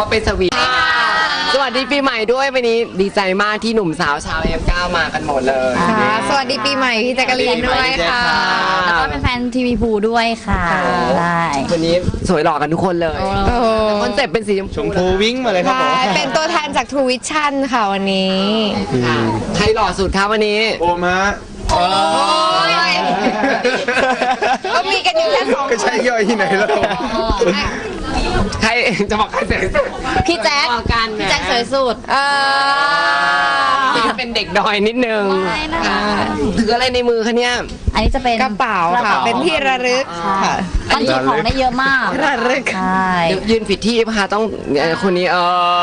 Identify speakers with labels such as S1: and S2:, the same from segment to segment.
S1: ว่าเป็นสวีทสวัสดีปีใหม่ด้วยวันนี้ดีใจมากที่หนุ่มสาวชาวM9มากันหมดเลย
S2: สวัสดีปีใหม่พี่แจ๊กกะลีนด้วยค่ะ
S3: แล้วก็เป็นแฟนทีวีพูด้วยค่ะได้
S1: วันนี้สวยหล่อกันทุกคนเลยคอนเซ็ปต์เป็นสี
S4: ชมพูวิ่งมาเลยครับผม
S2: เป็นตัวแทนจาก True Vision ค่ะวันนี้
S1: ใครหล่อสุดครับวันนี้
S4: โอมา
S2: โอ้ยก็มีกันอยู่แค่2
S4: ก็ใช่ย่อยที่ไหนแล้ว
S1: ใครจะบอกใครสวยสุด
S3: พี่แจ๊คพี่แจ๊คสวยสุด
S1: เป็นเด็กดอยนิดนึงถืออะไรในมือคะเนี่ย
S3: อันนี้จะเป็น
S2: กระเป๋าค่ะเป็นที่ระลึกค่ะ
S3: บรรจุของได้เยอะมาก
S2: ระลึก
S3: ใช่
S1: ยืนผิดที่ป่ะคะต้องคนนี้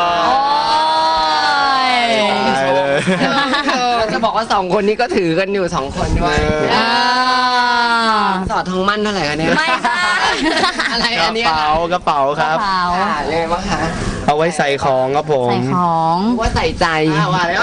S1: จะบอกว่า2คนนี้ก็ถือกันอยู่2คนด้วยสอดทองมั่นเท่าไหร่คะเนี่ย
S3: ไม่ค่ะ
S1: อะไรอันนี้
S4: กระเป๋าครับ
S1: เลยว่าคะ
S4: เอาไว้ใส่ของครับผม
S3: ใส่ของ
S1: ว่าใส่ใจว่าแล้ว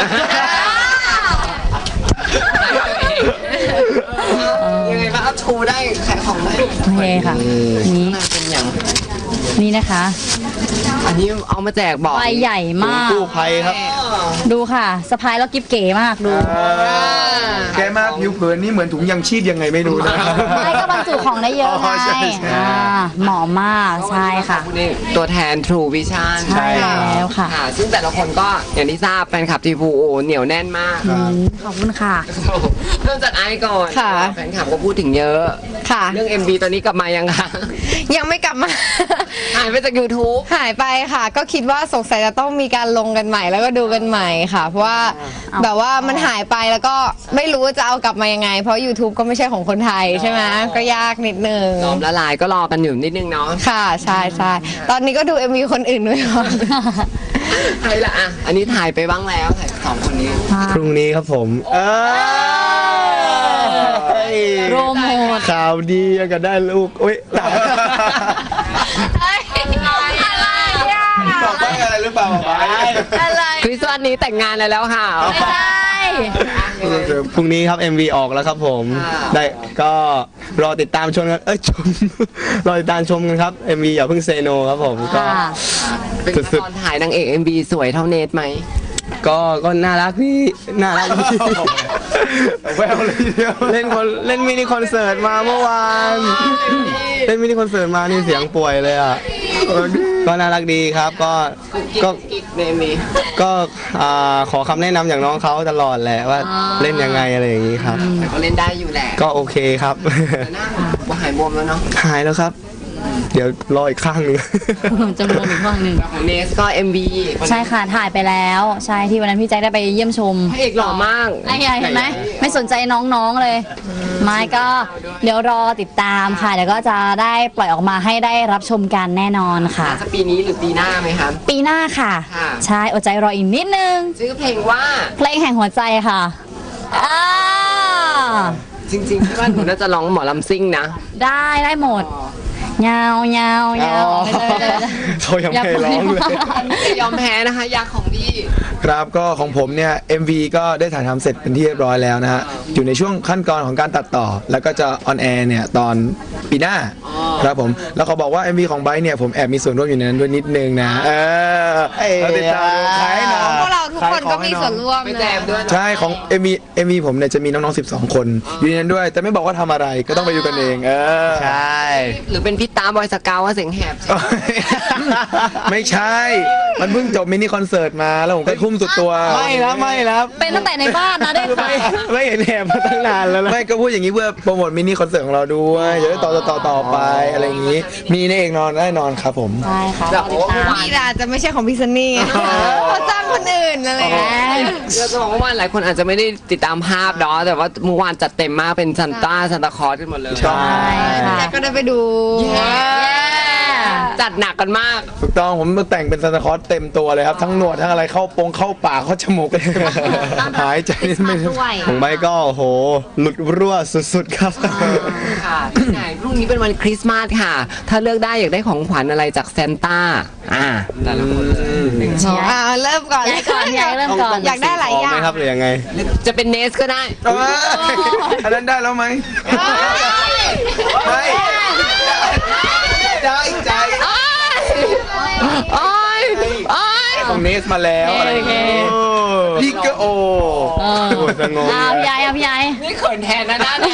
S1: ยังไงบ้างเอาชูได้ขายของไหม
S3: โอเคค่ะนี่
S1: เป็นอย่าง
S3: นี่นะคะ
S1: อันนี้เอามาแจกบอก
S3: ใบใหญ่มาก
S4: กู้ภัยครับ
S3: ดูค่ะสะพายแล้วกิ๊บเก๋มากดู
S4: แกมากผิวเผินนี่เหมือนถุงยังชีพยังไงไม่รู้นะ
S3: ไม่ก็บรรจุของได้เยอะไงเหมาะมากใช่ค่ะ
S1: ตัวแทน True Vision
S3: ใช่แล้วค่ะ
S1: ซึ่งแต่ละคนก็อย่างที่ทราบแฟนคลับทีพูเหนียวแน่นมาก
S3: ขอบคุณค่ะ
S1: เริ่มจากไอซ์ก่อนแฟนคลับก็พูดถึงเยอะ
S2: ค่ะ
S1: เรื่อง MV ตอนนี้กลับมายังคะ
S2: ยังไม่กลับมา
S1: หายไปจาก YouTube
S2: หายไปค่ะก็คิดว่าสงสัยจะต้องมีการลงกันใหม่แล้วก็ดูกันใหม่ค่ะเพราะว่าแบบว่ามันหายไปแล้วก็ไม่รู้จะเอากลับมายังไงเพราะ YouTube ก็ไม่ใช่ของคนไทยใช่ไหมก็ยากนิดนึง
S1: ยอมละลายก็รอกันอยู่นิดนึงเนาะ
S2: ค่ะใช่ใช่ตอนนี้ก็ดู MV คนอื่นด้วย
S1: ใครละอ่ะอันนี้ถ่ายไปบ้างแล้วถ่าย2คนนี้
S4: พรุ่งนี้ครับผม
S3: โรโมท
S4: ข่าวดีก็ได้ลูกอุ้ยบอกว่าอะไรหรือเปล่า
S1: อะไรคริสต์มาสนี้แต่งงานแล้วค่ะ
S3: ไม่ใช่
S4: พรุ่งนี้ครับ MV ออกแล้วครับผมได้ก็รอติดตามชมกันรอติดตามชมกันครับ MV อย่าเพิ่งเซโนครับผมก็
S1: เป็นตอนถ่ายนางเอก MV สวยเท่าเนทไหม
S4: ก็น่ารักพี่น่ารักพี่แววเลยเดียวเล่นมินิคอนเสิร์ตมาเมื่อวานเล่นมินิคอนเสิร์ตมานี่เสียงป่วยเลยอ่ะก็น่ารักดีครับก็ขอคำแนะนำอย่างน้องเขาตลอดแหละว่าเล่นยังไงอะไรอย่างนี้ครับ
S1: ก็เล่นได้อยู่แหละ
S4: ก็โอเคครับ
S1: หายบวมแล้วเนาะ
S4: หายแล้วครับเดี๋ยวรออีกข้างนึง
S3: จะรวมอีกข้างนึง
S1: ของเนสก็ MV
S3: ใช่ค่ะถ่ายไปแล้วใช่ที่วันนั้นพี่แจ็คได้ไปเยี่ยมชม
S1: พระเอกหล่อมาก
S3: ไอ้เห็นไหมไม่สนใจน้องๆเลยไม่ก็เดี๋ยวรอติดตามค่ะเดี๋ยวก็จะได้ปล่อยออกมาให้ได้รับชมกันแน่นอนค่ะ
S1: จะปีนี้หรือปีหน้าไหมคะ
S3: ปีหน้าค่ะใช่อดใจรออีกนิดนึง
S1: ชื่อเพลงว่า
S3: เพลงแห่งหัวใจค่ะ
S1: จริงๆที่ว่าหนูน่าจะร้องหมอลำซิ่งนะ
S3: ได้หมดยาวยาวยาว
S4: เขายังไม่ร้องเลย
S1: ยอมแพ้นะคะยากของพี่
S4: ครับก็ของผมเนี่ย MV ก็ได้ถ่ายทำเสร็จเป็นที่เรียบร้อยแล้วนะฮะอยู่ในช่วงขั้นตอนของการตัดต่อแล้วก็จะออนแอร์เนี่ยตอนปีหน้าครับผมแล้วเขาบอกว่า MV ของไบร์ทเนี่ยผมแอบมีส่วนร่วมอยู่ในนั้นด้วยนิดนึงนะเราติดตามดูใครนะ
S2: พวกเราทุกคนก็มีส่วนร่วม
S4: ใช่ของ MV ผมเนี่ยจะมีน้องๆ12คนอยู่ในนั้นด้วยแต่ไม่บอกว่าทำอะไรก็ต้องไปดูกันเองใช่
S1: หรือเป็นพี่ตาบอยสกาวว่าเสียงแหบ
S4: ไม่ใช่มันเพิ่งจบมินิคอนเสิร์ตมาแล้วผมก็ทุ่มสุดตัวไม่แล้ว
S3: เป็นตั้งแต่ในบ้านนะได้ค่ะ
S4: ไม่เห็นแหบมาตั้งนานแล้วไม่ก็พูดอย่างนี้เพื่อโปรโมทมินิคอนเสิร์ตของเราด้วยจะได้ต่อไปอะไรอย่างนี้มีในเอกนอนได้นอนครับผม
S3: ใช่ค่ะ
S2: นี่อาจจะไม่ใช่ของพี่ซันนี่เขาจ้างคนอื่นอะไร
S1: เราจะบอกว่าหลายคนอาจจะไม่ได้ติดตามภาพเนาะแต่ว่าเมื่อวานจัดเต็มมากเป็นซันตาคลอสกันหมดเลย
S4: ใช่
S2: ค่ะก็ได้ไปดู
S1: จัดหนักกันมาก
S4: ถูกต้องผมแต่งเป็นซานตาคลอสเต็มตัวเลยครับทั้งหนวดทั้งอะไรเข้าปากเข้าจมูกหายใจไม่ของใบก็โหหลุดรั่วสุดๆครับ
S1: ค่ะที่ไหนพรุ่งนี้เป็นวันคริสต์มาสค่ะถ้าเลือกได้อยากได้ของขวัญอะไรจากซานต้าแต่ละคน
S2: เริ่มก่อนอยากได้หลายอย่าง
S4: ไหมครับหรือยังไง
S1: จะเป็นเนสก็ได้
S4: อันนั้นได้แล้วไหมใจของเนสมาแล้วอะไรอย่างเงี้ยพี่ก็โอ้โหสงบ
S3: พี่ยาย
S1: นี่เขินแทนนะพี่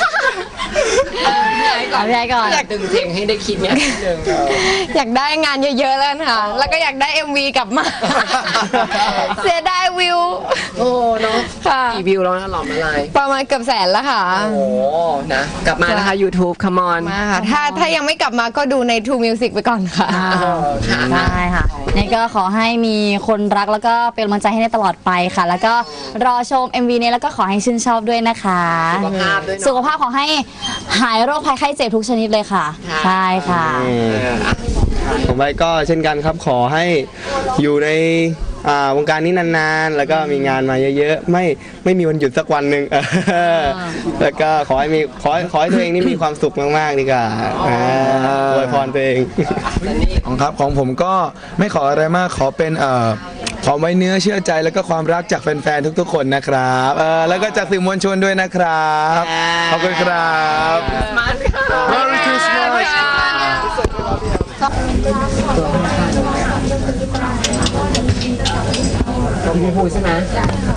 S1: ไอ้ก่อน
S3: พี่ไอ้ก่อน
S1: อยากดึงเพลงให้ได้คิดเนี่ยนิดนึง
S2: อยากได้งานเยอะๆแล้วค่ะ แล้วก็อยากได้ MV กลับมา เสียดายวิว
S1: โอ้เนาะ
S2: ค่ะ
S1: กี่วิวแล้วนะหลอมอะไร
S2: ประมาณเกือบแสนแล้วค่ะ
S1: โอ้นะกลับมานะคะ YouTube Come on
S2: มาค่ะถ้ายังไม่กลับมาก็ดูใน True Music ไปก่อนค่ะ
S1: ค่ะ
S3: ได้ค่ะนี่ก็ขอให้มีคนรักแล้วก็เป็นกำลังใจให้ได้ตลอดไปค่ะ แล้วก็รอชม MV นี้แล้วก็ขอให้ชื่นชอบด้วยนะคะ
S1: สุขภาพด้วยเนอะ
S3: สุขภาพขอให้หายโรคภัยไข้เจ็บทุกชนิดเลยค่ะ
S1: ค่ะ
S3: ใช่ค่ะ
S5: ผมไปก็เช่นกันครับขอให้อยู่ในวงการนี้นานๆ แล้วก็มีงานมาเยอะๆ ไม่มีวันหยุดสักวันหนึ่งแล้วก็ขอให้ตัวเองนี่มีความสุขมากๆดีกว่าอวยพรตัวเอง
S4: ของผมก็ไม่ขออะไรมากขอเป็นขอไว้เนื้อเชื่อใจแล้วก็ความรักจากแฟนๆทุกๆคนนะครับแล้วก็จากสื่อมวลชนด้วยนะครับขอบคุณครับ
S1: มาค่ะ
S4: Merry Christmas
S1: ตัวพี่พูดใช่ไหม